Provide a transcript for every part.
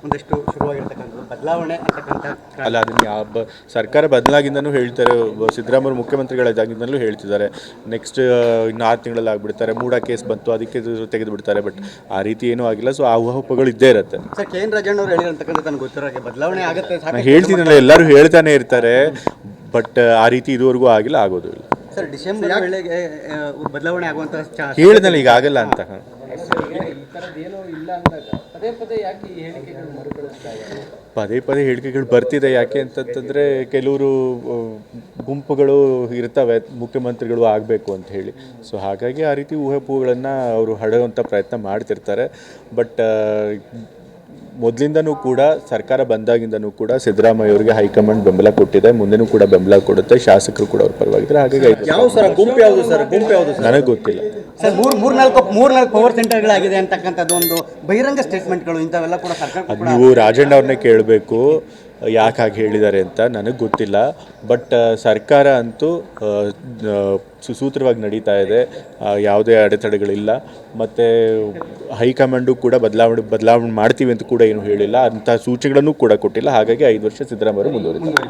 ಒಂದಷ್ಟು ಶುರುವಾಗಿರ್ತಕ್ಕಂಥದ್ದು ಬದಲಾವಣೆ ಅಂತಕ್ಕಂಥ ಅಲ್ಲ, ಅದನ್ನು ಸರ್ಕಾರ ಬದಲಾಗಿಂದನೂ ಹೇಳ್ತಾರೆ. ಸಿದ್ದರಾಮಯ್ಯ ಮುಖ್ಯಮಂತ್ರಿಗಳಾಗಿಂದಲೂ ಹೇಳ್ತಿದ್ದಾರೆ ನೆಕ್ಸ್ಟ್ ಇನ್ನು 6 ತಿಂಗಳಲ್ಲಿ ಆಗಿಬಿಡ್ತಾರೆ. ಮೂಡ ಕೇಸ್ ಬಂತು, ಅದಕ್ಕೆ ತೆಗೆದು ಬಿಡ್ತಾರೆ. ಬಟ್ ಆ ರೀತಿ ಏನೂ ಆಗಿಲ್ಲ. ಸೊ ಆ ಊಹಾಪೋಹಗಳು ಇದ್ದೇ ಇರುತ್ತೆ. ಸರ್, ಕೆ ಎನ್ ರಾಜಣ್ಣವ್ರು ಹೇಳಿರ್ತಕ್ಕಂಥ ನನಗೆ ಗೊತ್ತಿರೋ ಬದಲಾವಣೆ ಆಗುತ್ತೆ ನಾನು ಹೇಳ್ತೀನಲ್ಲ, ಎಲ್ಲರೂ ಹೇಳ್ತಾನೆ ಇರ್ತಾರೆ. ಬಟ್ ಆ ರೀತಿ ಇದುವರೆಗೂ ಆಗಿಲ್ಲ, ಆಗೋದು ಇಲ್ಲ. ಸರ್, ಡಿಸೆಂಬರ್ ವೇಳೆಗೆ ಬದಲಾವಣೆ ಆಗುವಂಥ ಹೇಳಿದ್ನಲ್ಲ ಈಗ ಆಗಲ್ಲ ಅಂತ. ಪದೇ ಪದೇ ಹೇಳಿಕೆಗಳು ಬರ್ತಿದೆ. ಯಾಕೆ ಅಂತಂತಂದರೆ ಕೆಲವರು ಗುಂಪುಗಳು ಇರ್ತವೆ ಮುಖ್ಯಮಂತ್ರಿಗಳು ಆಗಬೇಕು ಅಂತ ಹೇಳಿ. ಸೊ ಹಾಗಾಗಿ ಆ ರೀತಿ ಊಹಾಪೋಹಗಳನ್ನು ಅವರು ಹಡೆಯುವಂಥ ಪ್ರಯತ್ನ ಮಾಡ್ತಿರ್ತಾರೆ. ಬಟ್ ಮೊದಲಿಂದನೂ ಕೂಡ ಸರ್ಕಾರ ಬಂದಾಗಿಂದನೂ ಕೂಡ ಸಿದ್ದರಾಮಯ್ಯ ಅವರಿಗೆ ಹೈಕಮಾಂಡ್ ಬೆಂಬಲ ಕೊಟ್ಟಿದೆ, ಮುಂದೆನೂ ಕೂಡ ಬೆಂಬಲ ಕೊಡುತ್ತೆ. ಶಾಸಕರು ಕೂಡ ಅವ್ರ ಪರವಾಗಿದ್ದಾರೆ. ಹಾಗಾಗಿ ಯಾವ ಸರ್ ಗುಂಪು ಯಾವುದು ಸರ್? ಗುಂಪು ಯಾವುದು ನನಗೆ ಗೊತ್ತಿಲ್ಲ ಸರ್. ಮೂರ್ನಾಲ್ಕು ಪವರ್ ಸೆಂಟರ್ಗಳಾಗಿದೆ ಅಂತಕ್ಕಂಥದ್ದು ಒಂದು ಬಹಿರಂಗ ಸ್ಟೇಟ್ಮೆಂಟ್ಗಳು ಇಂಥವೆಲ್ಲ ಕೂಡ ಸರ್ಕಾರ. ಅದು ನೀವು ರಾಜಣ್ಣ ಅವ್ರನ್ನೇ ಕೇಳಬೇಕು ಯಾಕೆ ಹಾಗೆ ಹೇಳಿದ್ದಾರೆ ಅಂತ. ನನಗೆ ಗೊತ್ತಿಲ್ಲ. ಬಟ್ ಸರ್ಕಾರ ಅಂತೂ ಸುಸೂತ್ರವಾಗಿ ನಡೀತಾ ಇದೆ, ಯಾವುದೇ ಅಡೆತಡೆಗಳಿಲ್ಲ. ಮತ್ತು ಹೈಕಮಾಂಡು ಕೂಡ ಬದಲಾವಣೆ ಮಾಡ್ತೀವಿ ಅಂತ ಕೂಡ ಏನು ಹೇಳಿಲ್ಲ, ಅಂಥ ಸೂಚನೆಗಳನ್ನು ಕೂಡ ಕೊಟ್ಟಿಲ್ಲ. ಹಾಗಾಗಿ 5 ವರ್ಷ ಸಿದ್ದರಾಮಯ್ಯ ಮುಂದುವರಿತಾರೆ.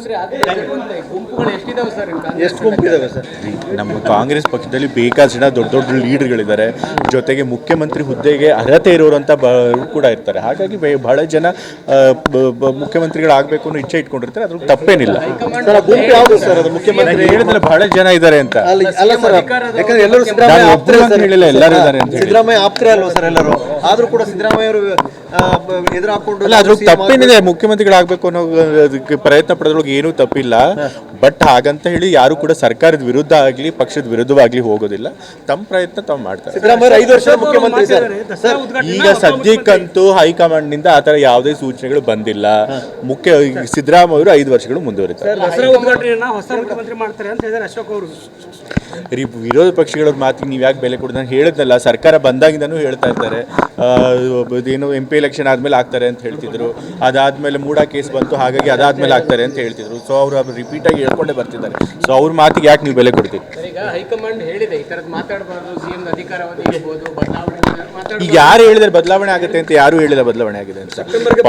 ಎಷ್ಟು ಗುಂಪಿದಾವೆ ಸರ್? ನಮ್ಮ ಕಾಂಗ್ರೆಸ್ ಪಕ್ಷದಲ್ಲಿ ಬೇಕಾದಷ್ಟು ಜನ ದೊಡ್ಡ ದೊಡ್ಡ ಲೀಡರ್ಗಳಿದ್ದಾರೆ. ಜೊತೆಗೆ ಮುಖ್ಯಮಂತ್ರಿ ಹುದ್ದೆಗೆ ಅರ್ಹತೆ ಇರೋರಂಥ ಕೂಡ ಇರ್ತಾರೆ. ಹಾಗಾಗಿ ಬಹಳ ಜನ ಮುಖ್ಯಮಂತ್ರಿಗಳಾಗಬೇಕು ಅನ್ನೋ ಇಚ್ಛೆ ಇಟ್ಕೊಂಡಿರ್ತಾರೆ. ಅದ್ರ ತಪ್ಪೇನಿಲ್ಲ. ಮುಖ್ಯಮಂತ್ರಿ ಹೇಳಿದ್ರೆ ಬಹಳ ಜನ ಇದ್ದಾರೆ ಅಂತ. ಎಲ್ಲರೂ ಹೇಳಿಲ್ಲ, ಎಲ್ಲರೂ ಇದ್ದಾರೆ ಅಂತ ಹೇಳಿ. ಸಿದ್ದರಾಮಯ್ಯ ಆಪ್ತರೇ ಅಲ್ವಾ ಸರ್ ಎಲ್ಲರೂ? ಆದ್ರೂ ಕೂಡ ಸಿದ್ದರಾಮಯ್ಯ ಅವರು ಎದುರು ಹಾಕೊಂಡು ಅಲ್ಲ, ಅದ್ರ ತಪ್ಪೇನಿದೆ. ಮುಖ್ಯಮಂತ್ರಿಗಳಾಗಬೇಕು ಅನ್ನೋ ಅದಕ್ಕೆ ಪ್ರಯತ್ನ ಪಡೋದ್ರೊಳಗೆ ಏನೂ ತಪ್ಪಿಲ್ಲ. ಬಟ್ ಹಾಗಂತ ಹೇಳಿ ಯಾರು ಕೂಡ ಸರ್ಕಾರದ ವಿರುದ್ಧ ಆಗಲಿ ಪಕ್ಷದ ವಿರುದ್ಧವಾಗಲಿ ಹೋಗೋದಿಲ್ಲ. ತಮ್ಮ ಪ್ರಯತ್ನ ತಾವು ಮಾಡ್ತಾರೆ. ಸಿದ್ದರಾಮಯ್ಯ 5 ವರ್ಷ ಮುಖ್ಯಮಂತ್ರಿ ಸರ್. ಈಗ ಸದ್ಯಕ್ಕಂತೂ ಹೈಕಮಾಂಡ್ನಿಂದ ಆ ಥರ ಯಾವುದೇ ಸೂಚನೆಗಳು ಬಂದಿಲ್ಲ. ಸಿದ್ದರಾಮಯ್ಯ ಅವರು 5 ವರ್ಷಗಳು ಮುಂದುವರಿತಾರೆ. ವಿರೋಧ ಪಕ್ಷಗಳ ಮಾತಿಗೆ ನೀವು ಯಾಕೆ ಬೆಲೆ ಕೊಡೋದು? ನಾನು ಹೇಳಿದ್ನಲ್ಲ, ಸರ್ಕಾರ ಬಂದಾಗಿಂದನೂ ಹೇಳ್ತಾ ಇರ್ತಾರೆ. ಏನು MP ಎಲೆಕ್ಷನ್ ಆದಮೇಲೆ ಆಗ್ತಾರೆ ಅಂತ ಹೇಳ್ತಿದ್ರು. ಅದಾದಮೇಲೆ ಮೂಡ ಕೇಸ್ ಬಂತು, ಹಾಗಾಗಿ ಅದಾದಮೇಲೆ ಆಗ್ತಾರೆ ಅಂತ ಹೇಳ್ತಿದ್ರು. ಸೊ ಅವರು ರಿಪೀಟಾಗಿ ಹೇಳ್ಕೊಂಡೇ ಬರ್ತಿದ್ದಾರೆ. ಸೊ ಅವ್ರ ಮಾತಿಗೆ ಯಾಕೆ ನೀವು ಬೆಲೆ ಕೊಡ್ತೀವಿ? ಈಗ ಯಾರು ಹೇಳಿದ್ರೆ ಬದಲಾವಣೆ ಆಗುತ್ತೆ ಅಂತ? ಯಾರು ಹೇಳಿಲ್ಲ ಬದಲಾವಣೆ ಆಗಿದೆ ಅಂತ.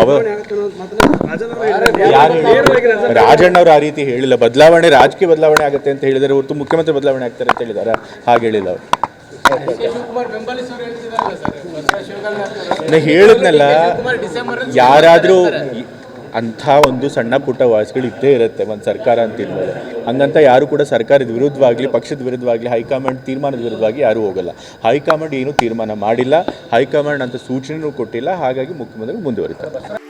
ರಾಜಣ್ಣ ಅವರು ಆ ರೀತಿ ಹೇಳಿಲ್ಲ. ರಾಜಕೀಯ ಬದಲಾವಣೆ ಆಗುತ್ತೆ ಅಂತ ಹೇಳಿದರೆ ಹೊರತು ಮುಖ್ಯಮಂತ್ರಿ ಬದಲಾವಣೆ ಆಗ್ತಾರೆ ಅಂತ ಹೇಳಿದಾರೆ? ಹಾಗೆ ಹೇಳಿಲ್ಲ ಅವರು. ನಾ ಹೇಳಿದ್ನಲ್ಲ, ಯಾರಾದರೂ ಅಂಥ ಒಂದು ಸಣ್ಣ ಪುಟ್ಟ ವಾಯ್ಸ್ಗಳು ಇದ್ದೇ ಇರುತ್ತೆ ಒಂದು ಸರ್ಕಾರ ಅಂತಿದ್ಮೇಲೆ. ಹಂಗಂತ ಯಾರು ಕೂಡ ಸರ್ಕಾರದ ವಿರುದ್ಧವಾಗಲಿ ಪಕ್ಷದ ವಿರುದ್ಧವಾಗಲಿ ಹೈಕಮಾಂಡ್ ತೀರ್ಮಾನದ ವಿರುದ್ಧವಾಗಿ ಯಾರೂ ಹೋಗಲ್ಲ. ಹೈಕಮಾಂಡ್ ಏನೂ ತೀರ್ಮಾನ ಮಾಡಿಲ್ಲ, ಹೈಕಮಾಂಡ್ ಅಂತ ಸೂಚನೆಯೂ ಕೊಟ್ಟಿಲ್ಲ. ಹಾಗಾಗಿ ಮುಖ್ಯಮಂತ್ರಿ ಮುಂದುವರಿತಾರೆ.